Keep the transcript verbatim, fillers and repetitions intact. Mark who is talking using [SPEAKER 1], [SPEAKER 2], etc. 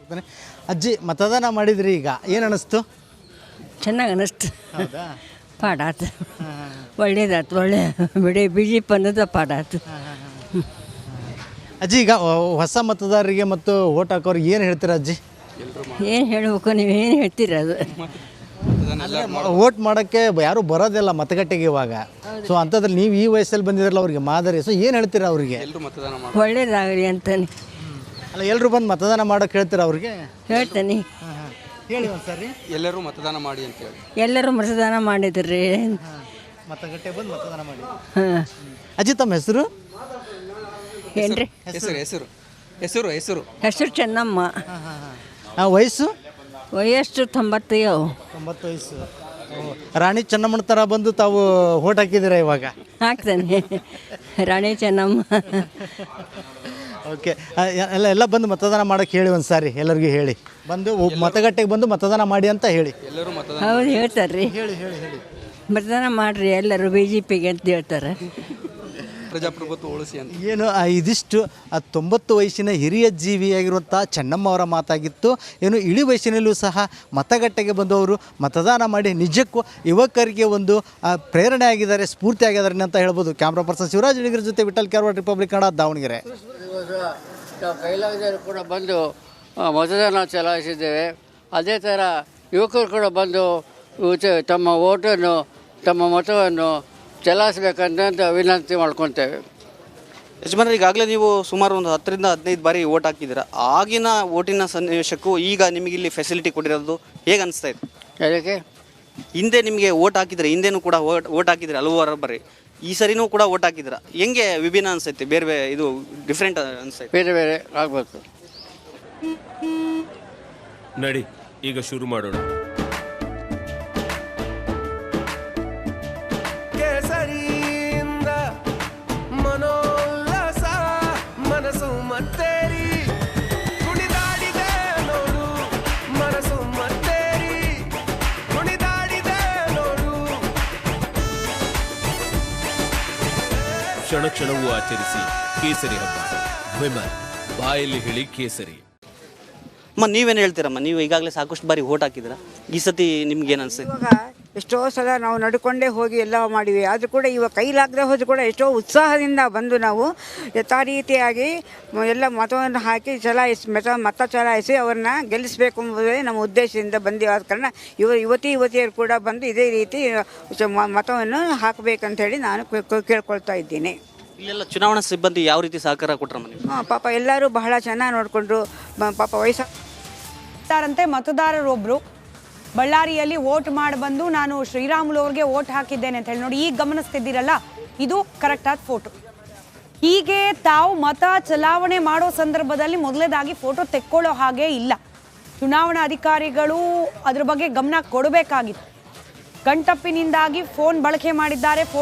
[SPEAKER 1] ಹೋಗ್ತಾನೆ. ಅಜ್ಜಿ ಮತದಾನ ಮಾಡಿದ್ರಿ, ಈಗ ಏನು ಅನ್ನಿಸ್ತು?
[SPEAKER 2] ಚೆನ್ನಾಗಿ ಅನ್ನಿಸ್ತು.
[SPEAKER 1] ಹೌದಾ?
[SPEAKER 2] ಪಾಡಾತು, ಒಳ್ಳೇದಾಯ್ತು. ಒಳ್ಳೆ ಬಿಡಿ ಬಿ ಜೆ ಪಿ ಅನ್ನೋದು ಪಾಡಾತು.
[SPEAKER 1] ಅಜ್ಜಿ ಈಗ ಹೊಸ ಮತದಾರರಿಗೆ ಮತ್ತು ಓಟ್ ಹಾಕೋರಿಗೆ ಏನು ಹೇಳ್ತೀರಾ ಅಜ್ಜಿ?
[SPEAKER 2] ಏನು ಹೇಳಬೇಕು, ನೀವು ಏನು ಹೇಳ್ತೀರ ಅದು.
[SPEAKER 1] ಓಟ್ ಮಾಡೋಕ್ಕೆ ಯಾರೂ ಬರೋದಿಲ್ಲ ಮತಗಟ್ಟೆಗೆ ಇವಾಗ. ಸೊ ಅಂಥದ್ರಲ್ಲಿ ನೀವು ಈ ವಯಸ್ಸಲ್ಲಿ ಬಂದಿದ್ರಲ್ಲ ಅವ್ರಿಗೆ ಮಾದರಿ. ಸೊ ಏನು ಹೇಳ್ತೀರಾ ಅವರಿಗೆ?
[SPEAKER 2] ಒಳ್ಳೇದಾಗಲಿ ಅಂತಾನೆ.
[SPEAKER 1] ಅಲ್ಲ, ಎಲ್ಲರೂ ಬಂದು ಮತದಾನ ಮಾಡೋಕೆ ಹೇಳ್ತೀರಾ ಅವ್ರಿಗೆ?
[SPEAKER 2] ಹೇಳ್ತಾನೆ.
[SPEAKER 1] ಹೇಳಿ ಒಂದು ಸರಿ.
[SPEAKER 3] ಎಲ್ಲರೂ ಮತದಾನ ಮಾಡಿ ಅಂತ ಹೇಳಿ.
[SPEAKER 2] ಎಲ್ಲರೂ ಮತದಾನ ಮಾಡಿದ್ರಿ.
[SPEAKER 1] ಮತಗಟ್ಟೆ ಬಂದು ಮತದಾನ ಮಾಡಿ.
[SPEAKER 2] ಹಾಂ.
[SPEAKER 1] ಅಜ್ಜಿ ತಮ್ಮ ಹೆಸರು
[SPEAKER 2] ಏನ್ರಿ?
[SPEAKER 3] ಹೆಸರು ಹೆಸರು ಹೆಸರು ಹೆಸರು
[SPEAKER 2] ಹೆಸರು ಚೆನ್ನಮ್ಮ.
[SPEAKER 1] ವಯಸ್ಸು?
[SPEAKER 2] ವಯಸ್ಸು ತೊಂಬತ್ತೈದು.
[SPEAKER 1] ತೊಂಬತ್ತು ವಯಸ್ಸು. ರಾಣಿ ಚೆನ್ನಮ್ಮನ ಥರ ಬಂದು ತಾವು ಓಟ್ ಹಾಕಿದ್ದೀರಾ ಇವಾಗ?
[SPEAKER 2] ಹಾಕ್ತಾನೆ ರಾಣಿ ಚೆನ್ನಮ್ಮ.
[SPEAKER 1] ಓಕೆ, ಎಲ್ಲ ಎಲ್ಲ ಬಂದು ಮತದಾನ ಮಾಡೋಕ್ಕೆ ಹೇಳಿ ಒಂದು ಸಾರಿ ಎಲ್ಲರಿಗೂ ಹೇಳಿ. ಬಂದು ಮತಗಟ್ಟೆಗೆ ಬಂದು ಮತದಾನ ಮಾಡಿ ಅಂತ ಹೇಳಿ.
[SPEAKER 3] ಎಲ್ಲರೂ ಮತದಾನ
[SPEAKER 2] ಹೌದು ಹೇಳ್ತಾರೆ ರೀ.
[SPEAKER 1] ಹೇಳಿ ಹೇಳಿ ಹೇಳಿ
[SPEAKER 2] ಮತದಾನ ಮಾಡಿರಿ ಎಲ್ಲರೂ ಬಿ ಜೆ ಪಿಗೆ ಅಂತ ಹೇಳ್ತಾರೆ.
[SPEAKER 3] ಪ್ರಜಾಪ್ರಭುತ್ವ ಉಳಿಸಿ ಅಂತ.
[SPEAKER 1] ಏನು ಆ ಇದಿಷ್ಟು ಆ ತೊಂಬತ್ತು ವಯಸ್ಸಿನ ಹಿರಿಯ ಜೀವಿಯಾಗಿರುವಂಥ ಚೆನ್ನಮ್ಮ ಅವರ ಮಾತಾಗಿತ್ತು. ಏನು ಇಳಿ ವಯಸ್ಸಿನಲ್ಲೂ ಸಹ ಮತಗಟ್ಟೆಗೆ ಬಂದವರು ಮತದಾನ ಮಾಡಿ ನಿಜಕ್ಕೂ ಯುವಕರಿಗೆ ಒಂದು ಪ್ರೇರಣೆ ಆಗಿದ್ದಾರೆ, ಸ್ಫೂರ್ತಿ ಆಗಿದ್ದಾರೆ ಅಂತ ಹೇಳ್ಬೋದು. ಕ್ಯಾಮ್ರಾ ಪರ್ಸನ್ ಶಿವರಾಜ್ ಅಡಿಗರ ಜೊತೆ ವಿಠಲ್ ಕ್ಯಾರವಾಡ, ರಿಪಬ್ಲಿಕ್ ಕನ್ನಡ, ದಾವಣಗೆರೆ.
[SPEAKER 4] ನಾವು ಕೈಲಾಗದವರು ಕೂಡ ಬಂದು ಮತದಾನ ಚಲಾಯಿಸಿದ್ದೇವೆ. ಅದೇ ಥರ ಯುವಕರು ಕೂಡ ಬಂದು ತಮ್ಮ ಓಟನ್ನು, ತಮ್ಮ ಮತವನ್ನು ಚಲಾಯಿಸಬೇಕಂತ ವಿನಂತಿ ಮಾಡ್ಕೊತೇವೆ.
[SPEAKER 5] ಯಜಮಾನರು, ಈಗಾಗಲೇ ನೀವು ಸುಮಾರು ಒಂದು ಹತ್ತರಿಂದ ಹದಿನೈದು ಬಾರಿ ಓಟ್ ಹಾಕಿದ್ದೀರಾ. ಆಗಿನ ಓಟಿನ ಸನ್ನಿವೇಶಕ್ಕೂ ಈಗ ನಿಮಗೆ ಇಲ್ಲಿ ಫೆಸಿಲಿಟಿ ಕೊಟ್ಟಿರೋದು ಹೇಗೆ ಅನಿಸ್ತಾ ಇದೆ?
[SPEAKER 4] ಅದಕ್ಕೆ
[SPEAKER 5] ಹಿಂದೆ ನಿಮಗೆ ಓಟ್ ಹಾಕಿದ್ರೆ, ಹಿಂದೆನೂ ಕೂಡ ಓಟ್ ಓಟ್ ಹಾಕಿದ್ರೆ ಹಲವಾರು ಬಾರಿ, ಈ ಸರಿನೂ ಕೂಡ ಓಟ್ ಹಾಕಿದ್ದೀರಾ. ಹೆಂಗೆ ವಿಭಿನ್ನ ಅನಿಸುತ್ತೆ? ಬೇರೆ ಬೇರೆ ಇದು ಡಿಫ್ರೆಂಟ್ ಅನಿಸ್ತೈತೆ?
[SPEAKER 4] ಬೇರೆ ಬೇರೆ ಆಗಬೇಕು.
[SPEAKER 6] ನಡಿ ಈಗ ಶುರು ಮಾಡೋಣ.
[SPEAKER 7] ಮನೋಲ್ಲಾಸ ಮನಸ್ಸು ಮತ್ತೇರಿ ಕುಣಿದಾಡಿದೆ ನೋಡು, ಮನಸ್ಸು ಮತ್ತೇರಿ ಕುಣಿದಾಡಿದೆ ನೋಡು.
[SPEAKER 6] ಕ್ಷಣ ಕ್ಷಣವೂ ಆಚರಿಸಿ ಕೇಸರಿ ಹಬ್ಬ. ವಿಮಲ್ ಬಾಯಲ್ಲಿ ಹೇಳಿ ಕೇಸರಿ.
[SPEAKER 5] ಅಮ್ಮ, ನೀವೇನು ಹೇಳ್ತೀರಮ್ಮ? ನೀವು ಈಗಾಗಲೇ ಸಾಕಷ್ಟು ಬಾರಿ ಓಟ್ ಹಾಕಿದ್ದೀರಾ. ಈ ಸತಿ ನಿಮ್ಗೆ ಏನು ಅನಿಸ್ತೈತೆ?
[SPEAKER 8] ಇವಾಗ ಎಷ್ಟೋ ಸಲ ನಾವು ನಡ್ಕೊಂಡೇ ಹೋಗಿ ಎಲ್ಲ ಮಾಡಿವಿ. ಆದರೂ ಕೂಡ ಇವಾಗ ಕೈಲಾಗದೆ ಹೋದರೂ ಕೂಡ ಎಷ್ಟೋ ಉತ್ಸಾಹದಿಂದ ಬಂದು ನಾವು ಯಥಾ ರೀತಿಯಾಗಿ ಎಲ್ಲ ಮತವನ್ನು ಹಾಕಿ ಚಲಾಯಿಸಿ ಮತ ಮತ ಚಲಾಯಿಸಿ ಅವ್ರನ್ನ ಗೆಲ್ಲಿಸಬೇಕು ಎಂಬುದೇ ನಮ್ಮ ಉದ್ದೇಶದಿಂದ ಬಂದಿವೆ. ಆದ ಕಾರಣ ಯುವ ಯುವತಿ ಯುವತಿಯರು ಕೂಡ ಬಂದು ಇದೇ ರೀತಿ ಮತವನ್ನು ಹಾಕಬೇಕಂತೇಳಿ ನಾನು ಕೇಳ್ಕೊಳ್ತಾ ಇದ್ದೀನಿ.
[SPEAKER 5] ಇಲ್ಲೆಲ್ಲ ಚುನಾವಣಾ ಸಿಬ್ಬಂದಿ ಯಾವ ರೀತಿ ಸಹಕಾರ ಕೊಟ್ಟರಮ್ಮ ನೀವು?
[SPEAKER 8] ಹಾಂ, ಪಾಪ ಎಲ್ಲರೂ ಬಹಳ ಚೆನ್ನಾಗಿ ನೋಡಿಕೊಂಡ್ರು. ಪಾಪ ವಯಸ್ಸ
[SPEAKER 9] ಅಂತೆ ಮತದಾರರೊಬ್ಬರು ಬಳ್ಳಾರಿಯಲ್ಲಿ ವೋಟ್ ಮಾಡಿ ಬಂದು ನಾನು ಶ್ರೀರಾಮುಲು ಅವ್ರಿಗೆ ವೋಟ್ ಹಾಕಿದ್ದೇನೆ ಅಂತ ಹೇಳಿ ನೋಡಿ, ಈಗ ಗಮನಿಸ್ತಿದ್ದೀರಲ್ಲ, ಇದು ಕರೆಕ್ಟಾದ ಫೋಟೋ. ಹೀಗೆ ತಾವು ಮತ ಚಲಾವಣೆ ಮಾಡೋ ಸಂದರ್ಭದಲ್ಲಿ ಮೊದಲೇದಾಗಿ ಫೋಟೋ ತೆಕ್ಕೊಳ್ಳೋ ಹಾಗೆ ಇಲ್ಲ. ಚುನಾವಣಾ ಅಧಿಕಾರಿಗಳು ಅದ್ರ ಬಗ್ಗೆ ಗಮನ ಕೊಡಬೇಕಾಗಿತ್ತು. ಕಣ್ತಪ್ಪಿನಿಂದಾಗಿ ಫೋನ್ ಬಳಕೆ ಮಾಡಿದ್ದಾರೆ.